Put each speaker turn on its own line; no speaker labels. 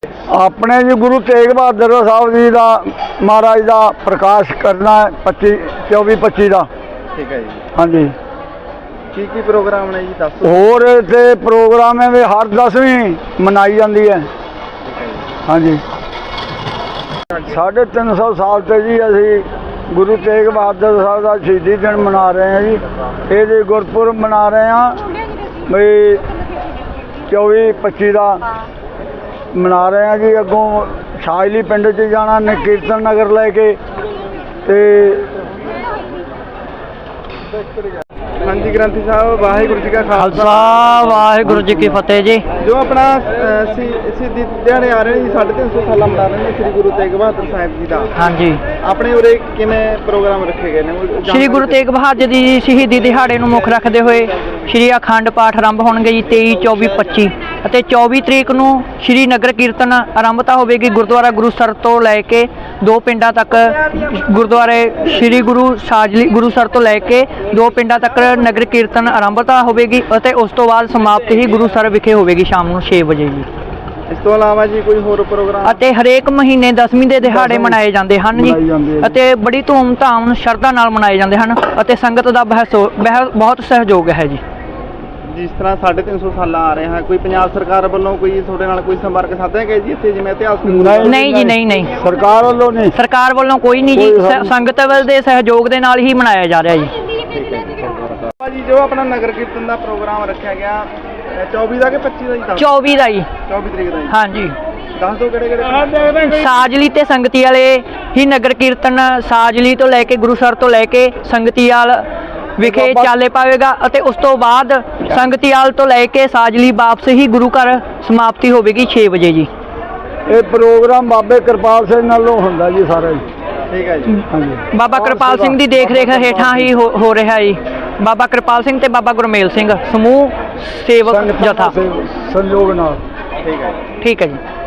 अपने जी गुरु तेग बहादुर साहब जी का महाराज का प्रकाश करना है 24-25 का।
ठीक है जी।
हाँ जी।
की प्रोग्राम ने जी दस
होर इत्थे प्रोग्राम है भी हर 10वीं मनाई जाती है। हाँ जी। 350 साल से जी असी गुरु तेग बहादुर साहब का शहीदी दिन मना रहे हैं जी। ये गुरपुरब मना रहे हैं बई 24-25 का मना रहे हैं जी। अगों छाजली पिंड च जाना ने कीर्तन नगर लैके ते।
हाँ जी ग्रंथी साहब वाहिगुरू जी का
खालसा वाहिगुरू जी की फतेह जी।
जो अपना शहीदी दिहाड़े आ रहे हैं जी 350 साल मना रहे हैं श्री गुरु तेग बहादुर साहब जी का।
हाँ जी।
अपने उरे किवें प्रोग्राम रखे गए ने?
श्री गुरु तेग बहादुर जी शहीदी दिहाड़े ਨੂੰ ਮੁੱਖ ਰੱਖਦੇ ਹੋਏ श्री अखंड पाठ आरंभ होणगे जी 23, 24, 25 ਅਤੇ 24 ਤਰੀਕ ਨੂੰ श्री नगर कीर्तन आरंभता होगी गुरुद्वारा गुरुसर तो लैके दो पिंडा तक गुरुद्वारे श्री गुरु साजली गुरुसर तो लैके दो पिंडा तक नगर कीर्तन आरंभता होगी और उस तो बाद समाप्ति ही गुरुसर विखे होगी शाम को 6 बजे जी।
इस तो इलावा जी कोई होर प्रोग्राम? ਅਤੇ ਹਰੇਕ ਮਹੀਨੇ 10ਵੀਂ ਦੇ ਦਿਹਾੜੇ ਮਨਾਏ ਜਾਂਦੇ ਹਨ ਜੀ ਅਤੇ ਬੜੀ ਧੂਮ-ਧਾਮ ਸ਼ਰਧਾ ਨਾਲ ਮਨਾਏ ਜਾਂਦੇ ਹਨ ਅਤੇ ਸੰਗਤ ਦਾ ਬਹੁਤ ਸਹਿਯੋਗ ਹੈ ਜੀ। जिस तरह 350 साल आ रहे हैं कोई पंजाब सरकार वालों कोई थोड़े नाल कोई संपर्क साधे गए जी इत्थे जिवें इतिहास
नहीं जी नहीं
सरकार वालों नहीं,
सरकार वालों कोई नहीं जी। संगत वाल दे सहयोग दे नाल ही मनाया जा रहा जी।
जी जो अपना नगर कीर्तन का प्रोग्राम रखा गया 24 का कि 25 का जी?
24 का जी।
24 तरीक का।
हाँ जी।
दस दो किहड़े
साजली ते संगती वाले ही नगर कीर्तन साजली तो लैके गुरुसर तो लैके संगतीवाल विखे चाले पाएगा और उस तो बाद संगतीवाल तो लैके साजली वापस ही गुरु घर समाप्ति होगी 6 बजे जी।
ये प्रोग्राम बाबे कृपाल सिंह नालों हुंदा जी सारा जी।
ठीक है जी।
हाँ जी।
बाबा कृपाल सिंह की देख रेख हेठां ही हो रहा है जी। बाबा कृपाल सिंह ते बाबा गुरमेल सिंह समूह सेवक जथा
संयोग नाल।
ठीक है।
ठीक है जी।